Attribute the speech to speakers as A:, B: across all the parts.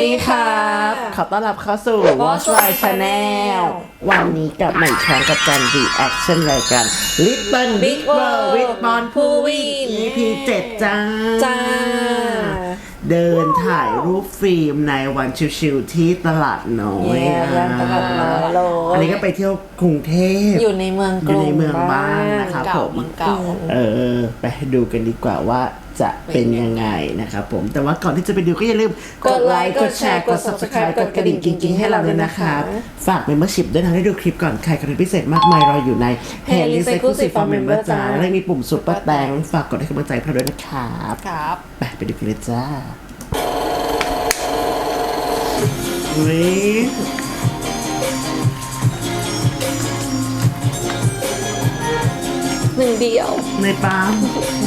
A: ดีครับขอต้อนรับเข้าสู่ Watch My Channel วันนี้กลับมาอีกครั้งกับการ reaction รายการ Little Big World with Mon Puvin EP 7จ้า เดินถ่ายรูปฟิล์มในวันชิวๆที่ตลาดน้อย
B: ตลาดน้อยโล
A: อันนี้ก็ไปเที่ยวกรุงเทพ
B: อยู่ในเมืองกรุง
A: อยู่ในเมืองบ้างนะครับผมไปดูกันดีกว่าว่าจะเป็นยังไงนะครับผมแต่ว่าก่อนที่จะไปดูก็อย่าลืมกดไลค์กดแชร์กด subscribe กดกระดิ่งกิ๊งๆให้เราด้วยนะครับฝาก membership ด้วยนะได้ดูคลิปก่อนใครคอนเทนต์พิเศษมากมายรออยู่ใน Playlist Exclusive for Member จ้าและมีปุ่ม Super Thanks ฝากกดให้กำลังใจพวกเราด้วยนะครับไปดูกันเลยจ้า
B: หนึ่งเดียว
A: ในปั๊ม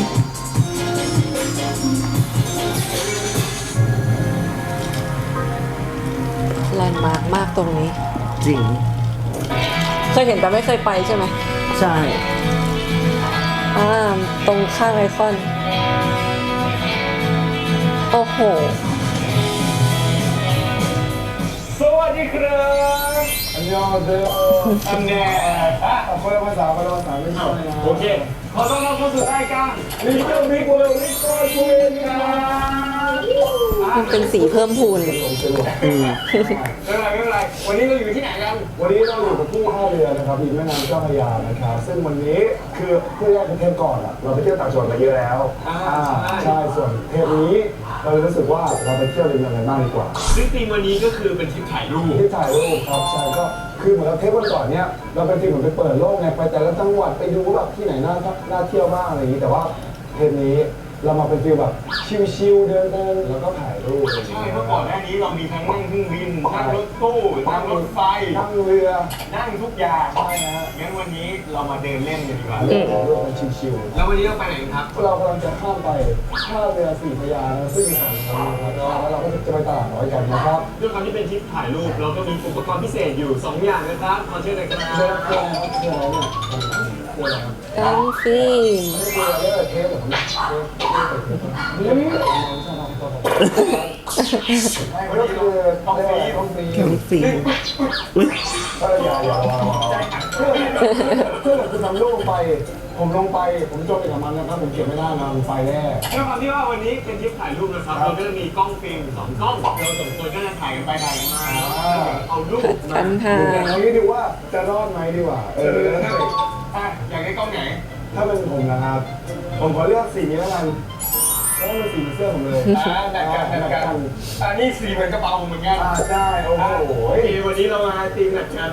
B: แลนด์มาร์กมากตรงนี้
A: จริง
B: เคยเห็นแต่ไม่เคยไปใช่ไหม
A: ใช่
B: ตรงข้างไอคอนโอ้โห
C: สวัสดีครับอันยองเดโออันแน่คนละภาษาไม่ใช่นะโอเคขอต้อนรับเข้าสู่รายการLittle Big World with Mon Puvinครับ
B: มันเป็นสีเพิ่มพูน
C: ไม่เป็นไรวันนี้เราอยู่ที่ไหนกันวันนี้เราอยู่กับที่ท่าเรือนะครับริมแม่น้ำเจ้าพระยานะครับซึ่งวันนี้คือเพื่อนเทปก่อนอ่ะเราไปเที่ยวต่างจังหวัดมาเยอะแล้วใช่ส่วนเทปนี้เรารู้สึกว่าเราไปเที่ยวริมแม่น้ำบ้างดีกว่า
D: ซึ่งธีมวันนี้ก็คือเป็นทริปถ่ายรูป
C: ครับใช่ก็คือเหมือนเราเทปวันก่อนเนี้ยเราเป็นทีมเหมือนไปเปิดโลกไงไปแต่ละจังหวัดไปดูแบบที่ไหนน่าเที่ยวมากอะไรอย่างนี้แต่ว่าเทปนี้เรามาเป็นฟีลแบบชิลๆเดินแล้วก็ถ่ายรูป
D: ใช่เมื่อก่อนหน้านี้เรามีทั้งนั่งเครื่องบินนั่งรถตู้นั่งรถไฟ
C: นั่งเรือ
D: นั่งทุกอย่าง
C: ใช่นะ
D: งั้นวันนี้เรามาเดินเล่นกันดีกว่า
C: เรื่องชิล
D: ๆแล้ววันนี้เราไปไหนครับ
C: เรากำลังจะข้ามไปท่าเรือสี่พระยาซึ่งอยู่ห่างกันนะครับแล้วเราก็จะไปตลาดน้อยกันนะครับ
D: ด้วยความที่เป็นทริปถ่ายรูปเราก็มีอุปกรณ์พิเศษอยู่2อย่างนะครับขอเชิญเลยครับ
C: เรื่องอะไรเนี่ย
B: ตั้งฟิล์ม
C: เทปผมไม่ก็คือต้อง
A: ฟีอุ้ย
C: อย่าเพื่อนคุณนำลูกลงไปผมลงไปผมจมไปกับมันนะครับผมเก็บไม่ได้นะไฟแน่
D: ด้วยความที่ว่าวันนี้เป็นทริปถ่ายรูปนะครับเราก็จะมีกล้องฟิล์ม2กล้องเราสองคนก็จะถ่ายกันไปถ่ายมาเอารูป
B: มาถ่าย
C: เอางี้ดูว่าจะรอดไหมดีกว่า
D: อยากได้กล้องไหน
C: ถ้าเป็นผมนะครับผมขอเลือกสีนี้แล้วกันเพราะมันสีเสื้อผมเลย
D: แบ่งกันอันนี้สีเหมือนกระเป๋าผมเหมือนกัน
C: ใช่โอ้โห
D: วันนี้เรามาตีหนักกัน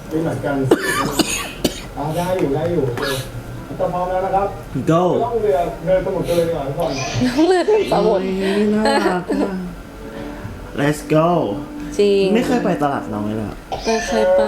C: ได้อยู่จะพร้อมแล้วนะครับ
A: go
C: ต้องเรือเดินสมุทรกันเลยดีกว่าทุกคน
B: เรือสมุทร
A: น่ารัก let's go
B: จริง
A: ไม่เคยไปตลาดน้อยเลย
B: เคยไป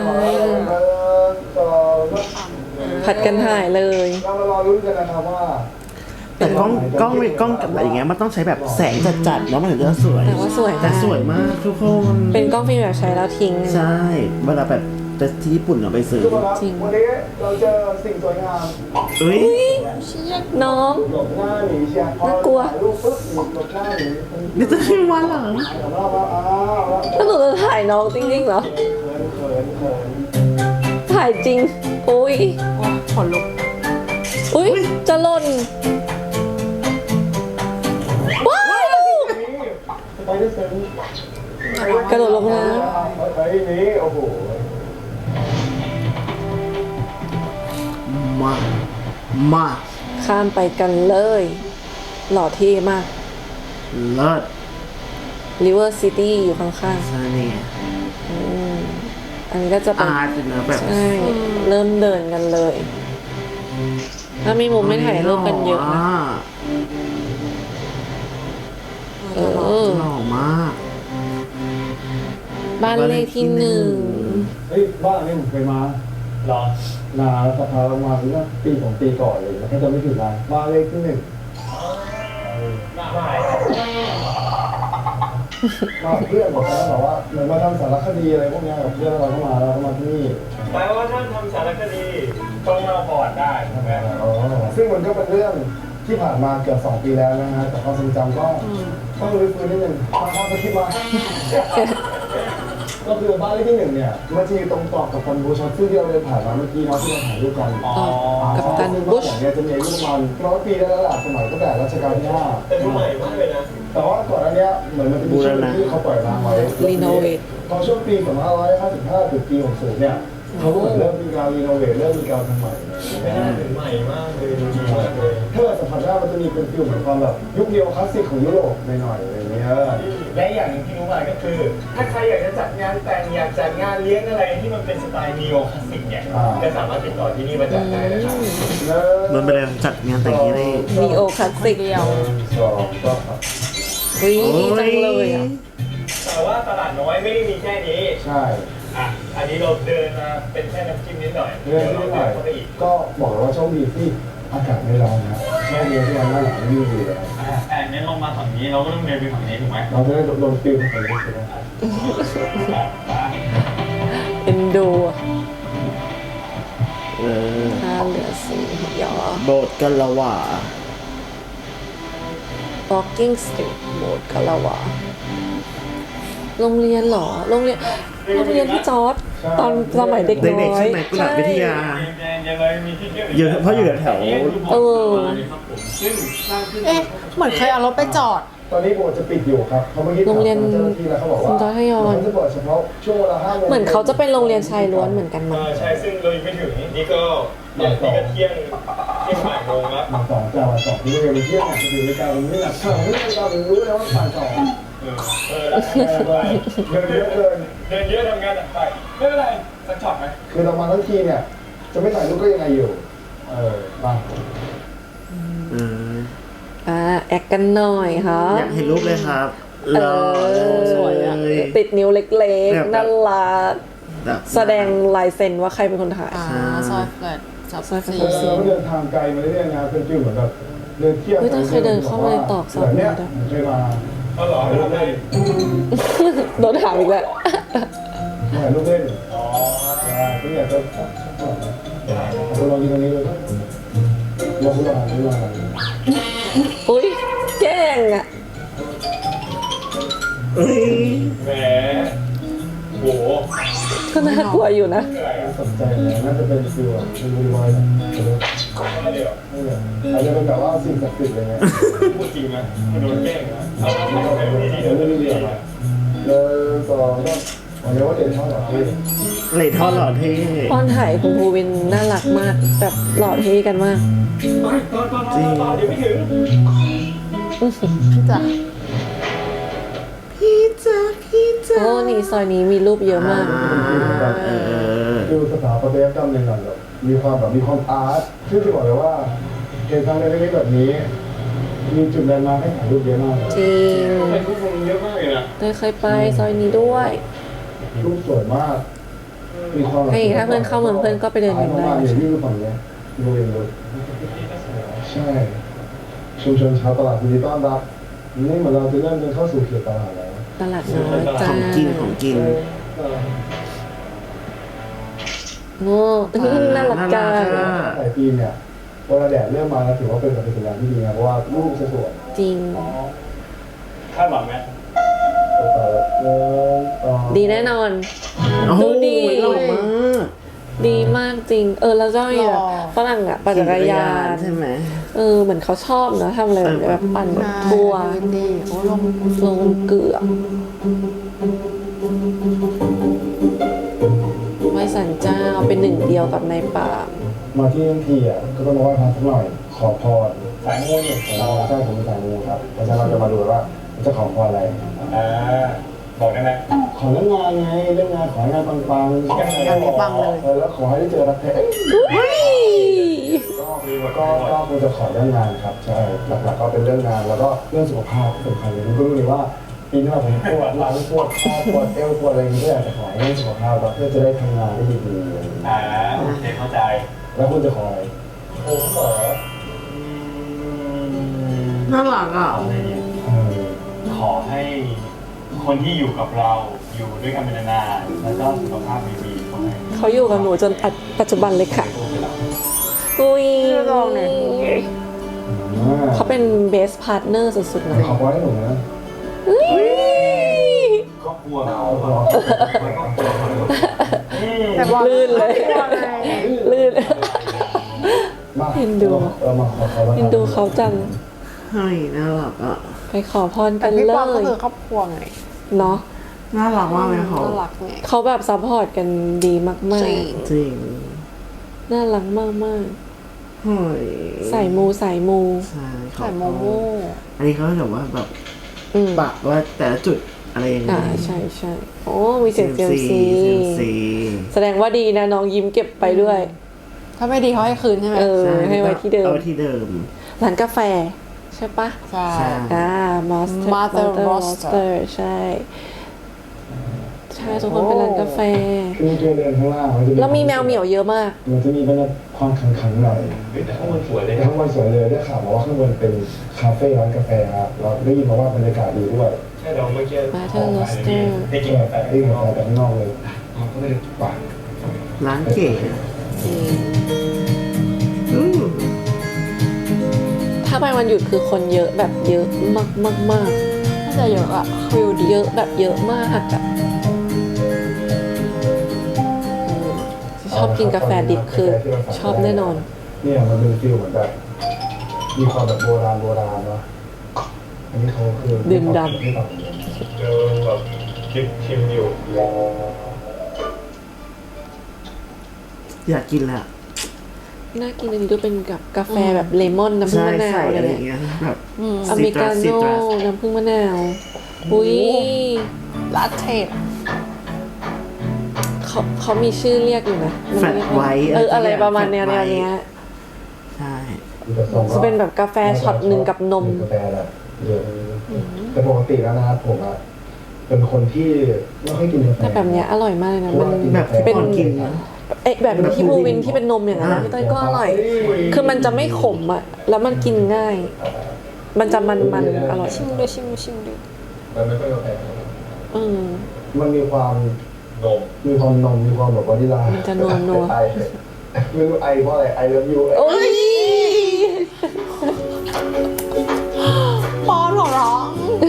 B: ผัดกันถ่ายเลย
C: เรามารอลุ้นกันนะครับว่า
A: แต่กล้องกับอะไรอย่างเงี้ยมันต้องใช้แบบแสงจัดๆแล้วมันถึงจะสวย
B: แต่ว่าส
A: วยมากทุกคน
B: เป็นกล้องฟิล์มแบบใช้แล้วทิ้ง
A: ใช่เวลาแบบแต่ที่ญี่ปุ่นเราไปซื้อ
C: จริงวันนี้เราเจอสิ่งสวยงาม
B: น้อง
C: หลบหน้าหนีเชียร์
B: น่ากลัว
C: รูปปุ๊บหลบหน้าหนี
A: นี่จะขึ้นวันเหรอ
B: ถ้าหนูจะถ่ายน้องจริงๆเหรอถ่ายจริงอุ้ยขนลุกอุ้ยจะหล่นว้าว
C: ไปได้เซน
B: กระโดดลงน้
C: ำไปนี้โอ้โห
A: มา
B: ข้ามไปกันเลยหล่อเท่มาก
A: เลิศ
B: River City อยู่ข้างๆ
A: ใช่นี่
B: อันนี้ก็จะเป็น
A: แบบ
B: ใช่เริ่มเดินกันเลยถ้ามีมุมไม่ถ่ายรูปกันเยอะนะ
A: หล่อมาก
B: บ้านเลขที่1
C: บ้านนี้ผมเคยมาหรอนานแล้วสักพักประมาณเมื่อปีก่อนเลยแล้วก็จะไม่ถึงบ้านเลขที่1เพื่อนบอกนะบอกว่าเหมือนมาทำสารคดีอะไรพวกนี้กับเพื่อนเราเข้ามาแล้วเข้ามาที่นี่
D: แปลว่าท่านทำสารคดีต้องเล่าก่อนได้ใช่ไหม
C: ซึ่งมันก็เป็นเรื่องที่ผ่านมาเกือบ2 ปีแล้วนะฮะแต่ความทรงจำก็ต้องรื้อฟื้นนิดนึงถ้าไปคิดว่า ก็คือบ้านเลขที่ 1เนี่ยมันจะอยู่ตรงต่อกับกัปตันบูชซึ่งที่เราเดินผ่านมาเมื่อกี้เนาะที่เราถ่ายรูปกัน
B: กัปตันบูช
C: เนี่ยจะมีอายุประมาณ100 ปีได้แล้วล่ะสมัยตั้งแต่รัชกาลที่5
D: แต่ดูใหม่มากเลยนะ
C: แต่ว่าก่อนหน้านี้เหมือนมันจะมีช่วงที่เขาปล่อยร้างไว้
B: รีโนเวท
C: พอช่วงปี 2555 ถึงปี 60 เนี่ยเขาก็เหมือนเริ่มมีการรีโนเวทเริ่มมีการทำใหม่
D: ไม่น่าถึงใหม่มากเลยดูดีมากเลย
C: ถ้าเกิดสัมผัสได้มันจะมีเป็นฟิลเหมือนความแบบยุคเดียวคลาสสิกของยุโรปหน่อยๆอะไรอย่างเงี้ย
D: และอย่างหนึงที่รู้มาก็คือ ถ้าใครอยากจะจัดงานแต่งอยากจัดงานเลี้ยงอะไรที่มันเป็นสไตล์นีโอคลาสสิกเนี่ยก็สามารถติดต่อที่นี่มาจัดได้นะครับ
A: มันเป็นอะไรจัดงานแต่งนี้ได้
B: นีโอคลาสสิก
C: สองก็ครับ
B: อุ้ยดีจังเลยอ่ะ
D: แต่ว่าตลาดน้อยไม่ได้มีแค่นี้
C: ใช่
D: อ่ะอันนี้เราเดินมาเป็นแค่น้ำจิ้มนิดหน่อย
C: เรื่องที่หน่อย
D: เข้าไปอีก
C: ก็บอกเลยว่าโชคดีที่อากาศไม่ร้อนนะแค่เดียวที่วันหน้าหนาวนี่ดีเลย
D: แต่งั้นลงมาฝั่งนี้เราก็ต้องเดินไปฝั่งนี้ถูกไหม
C: เราจะได้โดนฟิลของนี้ใช่ไหม
B: เอ็นดูอะ
A: เออ
B: ท่าเรือสีหยอ
A: โบสถ์กันละหว่า
B: Walking Street โบสถ์คาราวาโรงเรียนเหรอ โรงเรียนพี่จอร์ดตอนสมัยเด็กน้
A: เด็ก
B: อ
A: ๆใช่
B: ย
A: ไหมกุหลาบวิทยา
D: ยังเลยมีที่เที่ยว
A: เยอะเพราะอยู่แถว
B: เออ
D: ซึ่งสร้างขึ้น
E: เอ๊ะ เหมือนเคยเอารถไปจอด
C: ตอนนี้โบสถ์จะปิดอยู่ครับเขาเมื่อกี้ถาม
B: โรงเรียน
C: เจ้าหน้าที่แล้วเขาบอกว่า
B: คุณจอยทยอย
C: เขาจะเปิดเฉพาะช่วงเวลา5 โมง
B: เหมือนเขาจะเป็นโรงเรียนชายล้วนเหมือนกันมั้ง
D: ใช่ซึ่งเรายังไม่ถึงนี่ก็เนี่ยนี่ก็เที่ยงบ่ายโมงแล้ว
C: บ่าย 2จากบ่าย 2ที่เรียนเที่ยงจะถึงในการวันนี้หนักเท่าไหร่ไม่เรารู้แล้วว่าบ่าย 2 เดินเยอะเกิน
D: เดินเยอะทำงานหนักไปไม่เป็นไรสักช็อตไหม
C: คือเรามาทั้งทีเนี่ย จะไม่ถ่ายรูปก็ยังไงอยู่ มา
A: อืม
B: แอคกันหน่อยค่ะ
A: อยากเห็นรูปเลยครับ
B: เอ
A: รอ
B: อ
E: สวยอะ
B: ติดนิ้วเล็ก
A: แบบ
B: ๆน่ารัก
A: แบบ
B: แสดงลายเซ็นว่าใครเป็นคนถ่าย
E: ซอยเปิดจับ
B: ซอยเปิด
E: สี
C: เราเดินทางไกลมาเรื่อยๆนะเป็นฟิลเหมือนแบบเดินเที่ยว
B: เฮ้ยแต่เคยเดินเข้ามาในตรอกซอย
C: เนี่ย
B: ด้วย
C: เคยมา
D: เอาเหรอไปทำอะไร
B: โดนถามอีกแล้ว
C: ถ่ายรูปเล่นที่อยากจะเราลองกินตรงนี้เลยลองดูลองดูลอง
B: อุ้ยแกล้งอ่ะ
A: เอ้ย
D: แหมโห
B: ก็น่ากลัวอยู่นะ
D: อะไรอ่ะ
C: สนใจเลยน่าจะเป็นฟิลแบบเป็นรีวายนะ
D: อะไรเดี๋ยว
C: อาจจะเป็นแบบว่าสิ่งศักดิ์สิทธิ์อะไรเงี้ย
D: พูดจริงนะโดนแกล้งนะเอาไปดีๆ
C: เดี๋
D: เดี๋
C: ย
D: ยว ว
C: เรื่
D: เรื่
C: อ
D: อง ง
C: นี้
D: นี้
C: เดี๋ยวต่อก็ผมเรียกว่าเด่นเท่าไหร่พี่
A: เหล่ท่อหล่อเท่
B: ตอนถ่ายคุณภูวินน่ารักมาก แบบหล่อเท่กันมาก
A: จริง
D: เดี๋ยวไม่ถึง
E: จ้ะ
A: พี่จ๋าพี่จ๋า
B: โอ้นี่ซอยนี้มีรูปเยอะมาก
A: เออ
C: ดูสถาปัตยกรรมหนึ่งหน่อยแบบมีความอาร์ตซึ่งจะบอกเลยว่าเหตุการณ์ในเรื่องนี้แบบนี้ มีจุดแลนด์มาร์คให้ถ่ายรูปเยอะมากเลย
B: จริง
D: เป็นผู้คนเยอะมากเลยนะ
B: เตยเคยไปซอยนี้ด้วย
C: รูปสวยมาก มีความแบบ
B: ให้ถ้าเพื่อนเข้าเมืองเพื่อนก็ไปเดินกันได้
C: ประมาณอย่างที่ดูฝั่งเนี้ยดูเองเลยใช่ ชุมชนชาวตลาดยินดีต้อนรับนี่เหมือนเราจะเริ่มเดินเข้าสู่เขตตลาดแล้ว
B: ตลาดน้อยจ้า
A: ของกินของกิน
B: โง่น่ารักจัง
A: น่ารักอะ
C: หลายปีเนี่ยเวลาแดดเริ่มมาแล้วถือว่าเป็นแบบเป็นสัญญาณที่ดีนะเพราะว่ารูปจะสวย
B: จริง
D: คาดหวังไหม
B: ดีแน่นอน
A: โอ้โห
B: ดูดี
A: หล่อมาก
B: ดีมากจริง แล้วเจ้าเนี่ยฝรั่งอ่ะปั่นจักรยาน
A: ใช่ไหม
B: เหมือนเขาชอบเนอะทำอะไรแบบนี้แบบปั่นแบบทัวร์
E: ดีโอ้ลง
B: ลงเกือกไหว้สันเจ้าเป็นหนึ่งเดียวกับในป่า
C: มาที่ทั้งทีอ่ะก็ต้องมาไหว้พระสักหน่อย ขอพร
D: สายงูนี่
C: เราใช่ผมเป็นสายมูครับเพราะฉะนั้นเราจะมาดูว่าจะขอพรอะไร
D: บอกได้ไหม
C: ขอเรื่องงานไงเรื่องงานขอให้งานปังๆ
E: งานนี้ปังเลย
C: แล้วขอให้ได้เจอรักแท้
B: อุ้ย
C: ก็คงจะขอเรื่องงานครับใช่หลักๆก็เป็นเรื่องงานแล้วก็เรื่องสุขภาพสำคัญเลยก็รู้เลยว่าปีหน้าผมปวดหลังปวดข้อปวดเอวปวดอะไรอย่างเงี้ยก็อยากจะขอให้เรื่องสุขภาพเพื่อจะได้ทำงานได้ดีๆอะไรอย่างเงี้ย
D: โอเคเข้าใจ
C: แล้วคุณจะขออะไร
D: ผมเหรอ
A: น่ารักอ่ะ
D: ขอให้คนที่อยู่กับเราอยู่ด้วยกันเป็นนานๆแล้วก็สุขภาพดีๆขอให้
B: เขาอยู่กับหนูจนปัจจุบันเลยค่ะ อุ้ย
E: ลองหน่อย
C: อ
B: เขาเป็นเบสพาร์ทเนอร์สุดๆเลย
C: ขอพรให้หนูนะ
D: ครอบครัวเรา
E: แต่บอล
B: ลื่นเลย
E: กลัวไง
B: ลื่น
C: มา
B: เอ็นดู
C: เรามาขอพร
B: เอ็นดูเขาจัง
A: เฮ้ยน่ารักอ่ะ
B: ไปขอพร
E: แต่
B: กัน
E: พี่
B: เล
E: ปอนก็
B: ย
E: คือครอบครัวไง
B: เนาะ
A: น่ารักมากเลยเขา
E: น่ารักไง
B: เขาแบบซัพพอร์ตกันดีมาก
E: จริง
A: จริง
B: ๆ น่ารักมาก
A: เฮ้ย
B: ๆ ใส่มู
A: ใช่
E: ใส่โมโม่
A: อันนี้เขาแบบว่าแบบ
B: อืม
A: ปักว่าแต่ละจุดอะไรยังไง
B: ใช่โอ้มีเสียงเซียมซี
A: เซียมซี
B: แสดงว่าดีนะน้องยิ้มเก็บไปด้วย
E: ถ้าไม่ดีเขาให้คืนใช่ไหม
B: เออ
A: ใช่
B: ให้ไว้ที่เดิม
A: เอาไว้ที่เดิม
B: ร้านกาแฟ ใช่ปะ
E: ใช่
A: ใช่
B: Mother
E: Roaster
B: Roaster ใช่ ใช่ทุกคนเป็นร้านกาแฟ
C: คือตัวเดินข้างล่างนจะ
B: แล้วมีแมวเหมียวเยอะมาก
C: มันจะมีบรรยากาศความขังๆหน่อย
D: แต่ข้างบนสวยเลย
C: ข้างบนสวยเลยได้ข่าวมาว่าข้างบนเป็นคาเฟ่ร้านกาแฟครับเราได้ยินมาว่าบรรยากาศดีด้วย
D: ใช่เราเมื่อกี้
B: Mother Roaster
D: ได้กินกาแฟ
C: ได้กินกาแฟแต่ข้างนอกเลยก็ไม่ได้ปั่น
A: ร้านเก๋อืม
B: ถ้าไปวันหยุดคือคนเยอะแบบเยอะมาก
E: น่าจะเยอะอะฟิล
B: ๆ
E: ดี
B: เยอะแบบเยอะมากอะชอบกินกาแฟดิบคือชอบแน่นอน
C: เนี่ยมันเป็นฟิลเหมือนแบบมีความแบบโบราณเนาะอันนี้เขาคือ
B: ดื่มดำ
C: ที่แบบ
D: เจอแบบชิมอยู่
A: อยากกินแหละ
B: น่ากินอันนี้ดูเป็นกับกาแฟแบบเลมอนน้ำผึ้ง
A: ใช่
B: มะนา
A: ใส่
B: วอะไร
A: อะไรอ
B: เงี้
A: ย่าย งเงี้ยแบบ
B: อเมริกา
A: ซิ
B: โน่
A: ตรัส
B: น้ำผึ้งมะนาวอุ้ย
E: ลาเทป
B: เขามีชื่อเรียกอยู่นะมัน
A: แฟลต
B: เรียก
A: ไว
B: ว่า
A: ท์
B: อะไร
A: สัก
B: ประมาณแนว
A: แฟลตไวท์
B: เนี้ย
A: ใช่
B: จะเป็นแบบกาแฟช็อตหนึ่งกับนม
C: กาแฟแบบเยอะแต่ปกติแล้วนะครับผมอะเป็นคนที่ไม่ค่อยกินกาแฟ
B: แต่แบบเนี้ยอร่อยมากเลยนะมัน
A: แบบที่
B: เป็น
A: ปอนกิน
B: เอ๊ะแบบที่บูวินที่เป็นนมอย่างนั้นนะพี่เต้ยก็อร่อย คือมันจะไม่ขมอ่ะ แล้วมันกินง่าย มันจะมันๆอร่อย
E: ชิมดู
C: มันไม่ค่อยกาแฟ
B: อืม
C: มันมีความ
D: นม
C: มีความนมมีความแบบวานิลา
B: มันจะนัวๆ
C: ไอไม่รู้ไอเพราะอะไรไอเลิฟยู
B: โอ้ย
E: ปอนหัวร้อง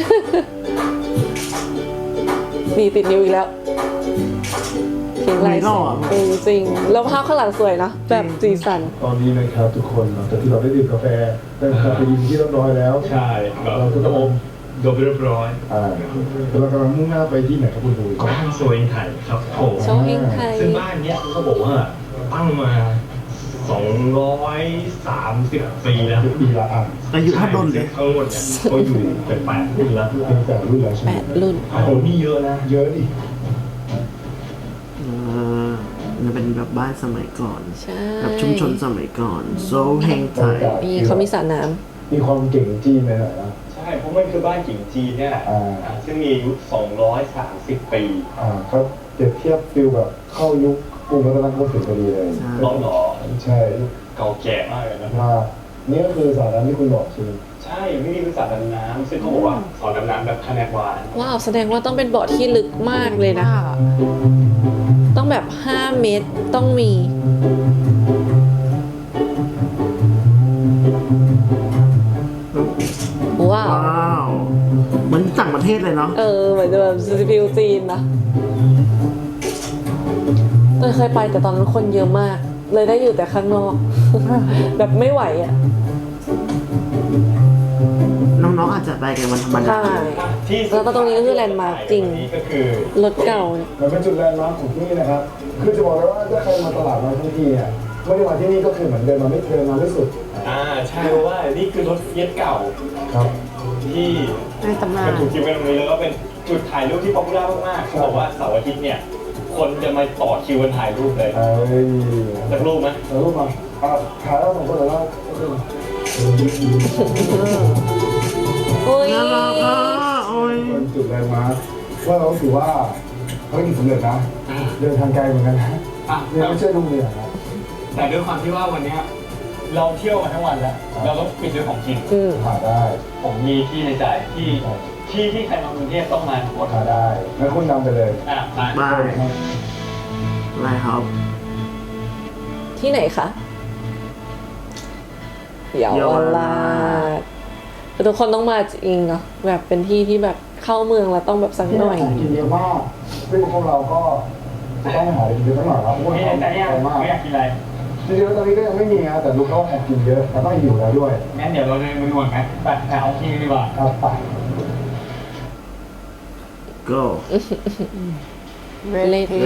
B: นี่ติดนิ้วอีกแล้วเขียนลาย
A: หล่อ
B: เออจริง แล้วภาพข้างหลังสวยนะแบบสีสัน
C: ตอนนี้นะครับทุกคนหลังจากที่เราได้ดื่มกาแฟได้คาเฟอีนที่เรียบร้อยแล้ว
D: ใช่แบบ
C: เราก็
D: โด
C: ต้อง
D: มเรียบร้อย
C: เรากำลังมุ่งหน้าไปที่ไหนครับคุณดู
D: บ้านสวยไทยครับผม
B: โชว์เฮงไทย
D: ซึ่งบ้านเนี้ยเขาบอกว่าตั้งมา230 ปีแล้ว
C: ปีละอ่ะ
A: อายุเท่าดนเลย
D: ทั้งหมดเนี่ยก็อยู่เป็น8 รุ่นแล้ว
C: เป็นแต่รุ่นแล้วใช่ไหม
B: 8 รุ่น
D: โอ้โหนี่เยอะนะ
C: เยอะดิ
A: มันเป็นแบบบ้านสมัยก่อน
B: ใช่
A: แบบชุมชนสมัยก่อนโซเฮงไทย
B: มีเขามีสระน้
C: มีความเก่งจีนหน่อยนะ
D: ใช่เพราะมันคือบ้านกิ่งจีนเนี่ยแหละ
C: อ่า
D: ซึ่งมีอายุ230 ปี
C: เขาเปรียบเทียบฟิลแบบเข้ายุคกรุงรัตนโกสินทร์พอดีเลย
D: ร้อนหรอ
C: ใช่
D: เก่าแก่มากเลยนะ
C: มานี่ก็คือสาระที่คุณบอกใช่ไหม
D: ใช่ไม่มีคือสระดำน้ำซึ่งเขาบอกว่าสระดำน้ำแบบคะแนนวาน
B: ำว้าวแสดงว่าต้องเป็นบ่อที่ลึกมากเลยนะ ต้องแบบ 5 เมตรต้องมี ว้าว
A: ว้าวเหมือนต่างประเทศเลยเนาะ
B: เออเหมือนจะแบบฟิวจีนนะเต้ยเคยไปแต่ตอนนั้นคนเยอะมาก เลยได้อยู่แต่ข้างนอก แบบไม่ไหวอ่ะ
A: น้องๆอาจจะไปกันวันธรรมดา
B: ใช่
D: ที่
B: แล้วก็ตรงนี้ก็คือแลนด์มาร์คจริง
D: นี่ก็คือ
B: รถเก่าเนี่ย
C: มันเป็นจุดแลนด์มาร์คของที่นี่นะครับ คือจะบอกเลยว่าถ้าใครมาตลาดมาทั้งทีเนี่ยไม่ได้มาที่นี่ก็คือเหมือนเดินมาไม่สุด
D: ใช่เพราะว่านี่คือรถเฟียสเก่า
C: ครับ
D: ที่
E: ในตำนาน
D: มันถูกทิ้งไว้ตรงนี้แล้วก็เป็นจุดถ่ายรูปที่ป๊อปปูล่ามากๆเขาบอกว่าเสาร์อาทิตย์เนี่ยคนจะมาต่อคิวกันถ่ายรูปเลย
C: เอ้ย
D: สักรูปไหม
C: แล้วรูปมาถ่ายแล้วสองคนแล้ว
B: อุ้ย
A: น่ารักอ่ะโอ้ย
C: เป็นจุดแลนด์มาร์คว่าเราถือว่าภารกิจสำเร็จนะ เดินทางไกลเหมือนกันนะ
D: อ่ะ
C: เนี่ยไม่ใช่โรงเรียนนะ
D: แต่ด้วยความที่ว่าวันเนี้ยเราเที่ยวมาทั้งวันแล้ว เราต้องปิดด้วยของกิน
B: อืม
C: ถ่ายได้
D: ผมมีที่ในใจที่ใครมากรุงเทพต้องมาหมด
C: ถ่ายได้งั้นคุณนำไปเลย
D: มา
A: บายอะไรครับ
B: ที่ไหนคะเยาวราชแต่ทุกคนต้องมาจริงเนาะแบบเป็นที่ที่แบบเข้าเมืองแล้วต้องแบบสักหน่อย
C: กินเยอะมากซึ่งพวกเราก็จะต้องหากินเยอะหน่อยครับเพราะว่า
D: ไม่
C: เขา
D: แต่เนี่ย
C: ไปมาก
D: ไม่อยากกินอะไร
C: จริงๆตอนนี้ก็ยังไม่มีนะแต่ลูกเขาแอบกินเยอะแต่ต้องหิวแล้วด้วย
D: งั้นเดี๋ยวเราเลยมานวดไหมไปเอาที่ดีกว่า
C: ครับไป
A: go
B: เลที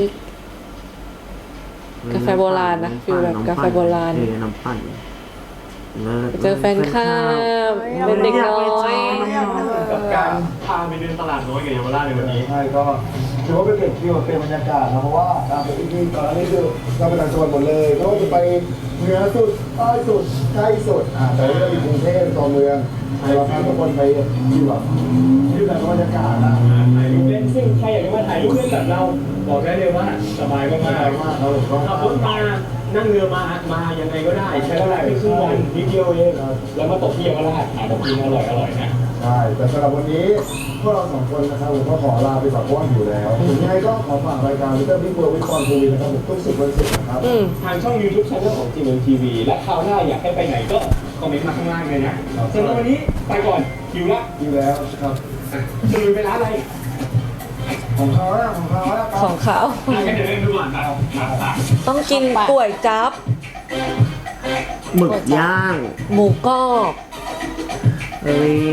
B: กาแฟโบราณนะฟิลแบบกาแฟโบราณ
A: น้ำปั่น
B: เจอแฟนคลับเป็นเด็กน้อย
D: กับการพาไปเดินตลาดน้อยกับเยาวราชในวันนี้
C: ใช่ก็ถือว่าเป็นเด็กที่เป็นบรรยากาศนะเพราะว่าตามไปที่ตอนนี้คือเราไปต่างจังหวัดหมดเลยก็จะไปเหนือสุดใต้สุดใกล้สุดแต่นี่เราอยู่กรุงเทพตัวเมืองเราพาทุกคนไปที่แบบที่แบบบรรยากาศนะ
D: ถ่ายรูปเล่นซึ่งใครอยากจะมาถ่ายรูปเล่นกับเราบอกได้เลยว่าสบายมาก
C: มากเราก็
D: ขับรถมานั่งเรือมายังไงก็ได้ใช้เวลาแค่ครึ่งวันนิดเดียวเองแล้วมาตกที่เยาวราชหาของกินอร่อยนะ
C: ใช่แต่สำหรับวันนี้พวกเราสองคนนะครับผมก็ขอลาไปก่อนเพราะว่าอยู่แล้วยังไงก็ขอฝากรายการวิเตอร์บิ๊กเวิร์วิคอนทีวีนะครับผมทุกสุดวันศุกร์นะครับ
D: ทางช่อง YouTube Channel ของ GMMTV และคราวหน้าอยากให้ไปไหนก็คอมเมนต์มาข้างล่างเลยนะสำหรับวันนี้ไปก่อนหิวละ
C: อยู่แล้วครับ
D: จะลุยไปร้านอะไร
C: ของเขาแล้ว
B: ของเขา
D: งั้นเดี๋ยวเล่นดูก่อนนะมา
B: ต้องกินก๋วยจั๊บ
A: หมึกย่าง
B: หมูกรอบ
A: เฮ้ย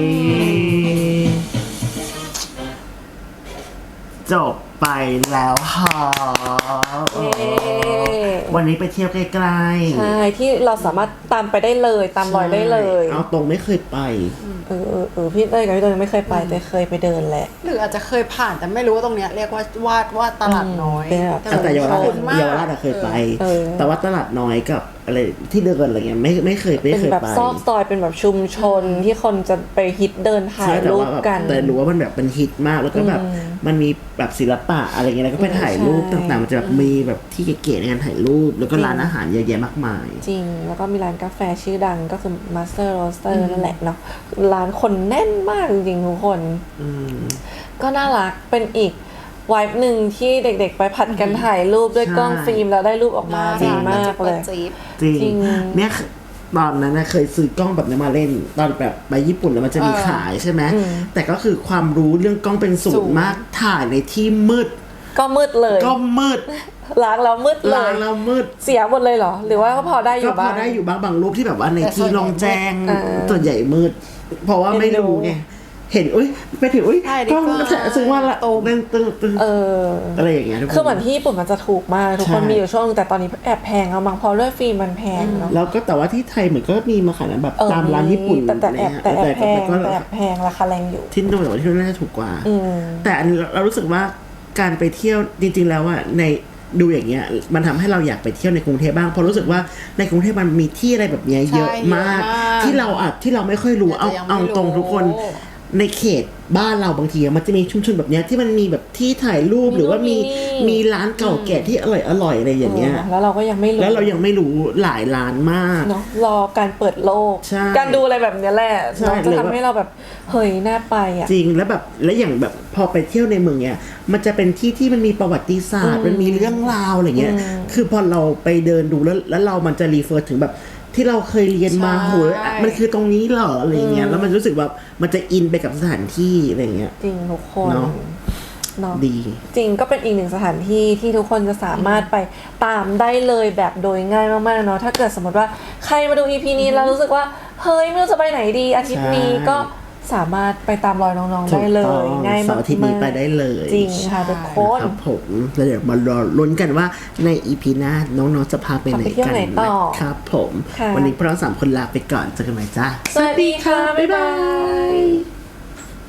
A: จบไปแล้วค่ะ
B: เย้
A: วันนี้ไปเที่ยวใกล้ๆ
B: ใช่ที่เราสามารถตามไปได้เลยตามรอยได้เลย
A: เอาตรงไม่เคยไป
B: พี่เต้ยกับพี่เต้ยยังไม่เคยไปแต่เคยไปเดินแหละ
E: หรืออาจจะเคยผ่านแต่ไม่รู้ว่าตรงเนี้ยเรียกว่าตลาดน้อย
B: เป็นแบบ
A: แต่เยาวราช
E: คุ้นมาก
A: เยาวราชอะเคยไป
B: เออ
A: แต่ว่าตลาดน้อยกับอะไรที่เดินอะไรเงี้ยไม่เคย
B: เป็นแบบ
A: ไป
B: ซอกซอยเป็นแบบชุมชนที่คนจะไปฮิตเดินถ่า
A: ใช่
B: ย
A: แต่
B: รูป
A: ว่าแบบ
B: กัน
A: แต่รู้ว่ามันแบบเป็นฮิตมากแล้วก็แบบมันมีแบบศิลปะอะไรเงี้ยแล้วก็ไปถ่ายรูป
B: ใช่
A: ต่างๆมันจะแบบมีแบบที่เก๋ๆในการถ่ายรูปแล้วก็ร้านอาหารเยอะแยะมากมาย
B: จริงแล้วก็มีร้านกาแฟชื่อดังก็คือ Master Roaster นั่นแหละเนาะร้านคนแน่นมากจริงๆทุกคน ก็น่ารักเป็นอีกวายหนึ่งที่เด็กๆไปผัดกันถ่ายรูปด้วยกล้องฟิล์มแล้วได้รูปออกมาดีมากเลย
A: จริง
B: จริง
A: เนี่ยตอนนั้นนะเคยซื้อกล้องแบบนี้มาเล่น ตอนแบบไปญี่ปุ่นแล้วมันจะมีขายใช่ไหมแต่ก็คือความรู้เรื่องกล้องเป็นศูนย์มากถ่ายในที่มืด
B: ก็มืดเลย
A: ก็มืด
B: ล้างแล้วมืดเล
A: ร้าย นเรามืด
B: เสียหมดเลยเหรอ หรือว่าก็พอได้อ
A: ก็
B: ยู่
A: พอ
B: บ้าง
A: ได้อยู่บางรูปที่แบบว่าใน
E: แต่ส่
A: ที่
E: วนใหญ่
A: ลองแจ้ง
B: มืด
A: ส่วนใหญ่มืด เพราะว่าไม่รู้ไงเห็นอุ้ยไปถึงอุ้ย
E: ใช่ดี
A: กล้อง
E: กว่า
A: ซื้อว่าละตึงอะไรอย่างเงี้ยทุกคน
B: คือเหมือนที่ญี่ปุ่นมันจะถูกมากทุกคน
A: ใช่
B: มีอยู่ช่วงนึงแต่ตอนนี้แอบแพงแล้วมั้งเพราะด้วยฟิล์มมันแพงเนาะ
A: แล้วก็แต่ว่าที่ไทยเหมือนก็มีมาขายนะแบบตามร้านญี่ปุ่น
B: แต่แอบ
A: นะฮะ
B: แต่แอบแพง
A: ก็
B: แต่แอบแพงราคาแรงอยู่
A: ที่นู่นแต่ว่าที่นู่นน่าจะถูกกว่า
B: อืม
A: แต่อันนี้เรารู้สึกว่าการไปเที่ยวจริงๆแล้วอะในดูอย่างเงี้ยมันทำให้เราอยากไปเที่ยวในกรุงเทพบ้างเพราะรู้สึกว่าในกรุงเทพมันมีที่อะไรแบบเนี้ยเยอะมาก
E: เยอะมาก
A: ที่เราไม่ค่อยรู้
E: แต่ยังไม่
A: เอาตรง
E: รู้
A: ทุกคนในเขตบ้านเราบางทีมันจะมีชุมชนแบบเนี้ยที่มันมีแบบที่ถ่ายรูปหรือว่ามีร้านเก่าแก่ที่อร่อยอะไรอย่างเงี้ย
B: แล้วเราก็ยังไม่รู้
A: แล้วเรายังไม่รู้หลายร้านมาก
B: เนาะรอการเปิดโลก
A: ใช่
B: การดูอะไรแบบเนี้ยแหละ
A: ใช่
B: เนาะจะ
A: หรือว่า
B: ทำให้เราแบบเฮ้ยน่าไปอ่ะ
A: จริงแล้วอย่างแบบพอไปเที่ยวในเมืองเนี้ยมันจะเป็นที่ที่มันมีประวัติศาสตร์ มันมีเรื่องราวอะไรเงี้ยคือพอเราไปเดินดูแล้วเรามันจะรีเฟอร์ถึงแบบที่เราเคยเรียนมา
E: ใช่
A: โหมันคือตรงนี้เหรออะไรเงี้ยแล้วมันรู้สึกแบบมันจะอินไปกับสถานที่อะไรเงี้ย
B: จริงทุกคน
A: เนาะ
B: เนาะ
A: ดี
B: จริงก็เป็นอีกหนึ่งสถานที่ที่ทุกคนจะสามารถไปตามได้เลยแบบโดยง่ายมากๆเนาะถ้าเกิดสมมติว่าใครมาดู EP นี้แล้วรู้สึกว่าเฮ้ยไม่รู้จะไปไหนดีอาทิตย์นี้
A: ใช่
B: ก็สามารถไปตามรอยน้องๆได้เล
A: ถูกต้
B: ย
A: อง
B: ง่าย
A: เสา
B: มา
A: ร์อาทิตย์นี้
B: ก
A: ไปได้เลย
B: จริงค่ะทุกคน
A: ครับผมแล้วเดี๋ยวมารอลุ้นกันว่าใน EP หน้าน้องๆจะพาไปไหน
B: ไปเที่ยว
A: กัน
B: ไหนต่อ
A: นะครับผม
B: ค่ะ
A: วันนี้พวกเรา3 คนลาไปก่อนเจอกันใหม่จ้า
B: สวัสดีค่ะ บ๊ายบาย